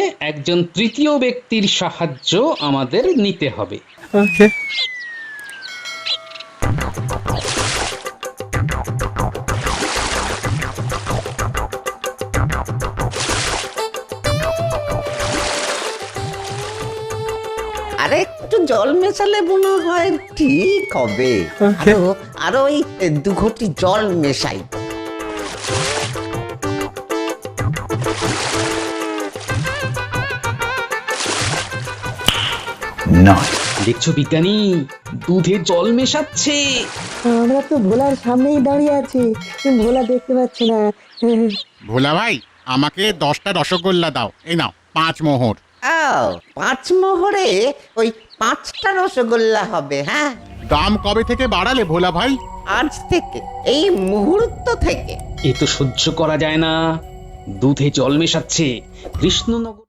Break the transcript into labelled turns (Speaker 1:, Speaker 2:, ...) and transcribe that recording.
Speaker 1: একজন তৃতীয় ব্যক্তির সাহায্য আমাদের নিতে হবে।
Speaker 2: ওকে।
Speaker 3: আরে একটু জল মেশালে মনে হয় ঠিক হবে।
Speaker 2: Okay.
Speaker 3: আরো ওই 2 ঘটি জল মেশাই।
Speaker 1: দেখছো বিজ্ঞানী, দুধে জল মেশাচ্ছে।
Speaker 4: আমরা তো ভোলার সামনেই দাঁড়িয়ে আছি, ভোলা দেখতে পাচ্ছি না।
Speaker 5: ভোলা ভাই, আমাকে 10টা রসগোল্লা দাও। এই নাও 5 মোহর।
Speaker 3: ও 5 মোহরে ওই 5টা রসগোল্লা হবে। হ্যাঁ,
Speaker 5: দাম কবে থেকে বাড়ালে ভোলা ভাই?
Speaker 3: আজ থেকে, এই মুহূর্ত থেকে।
Speaker 1: এ তো সহ্য করা যায় না। দুধে জল মেশাচ্ছে কৃষ্ণনগর।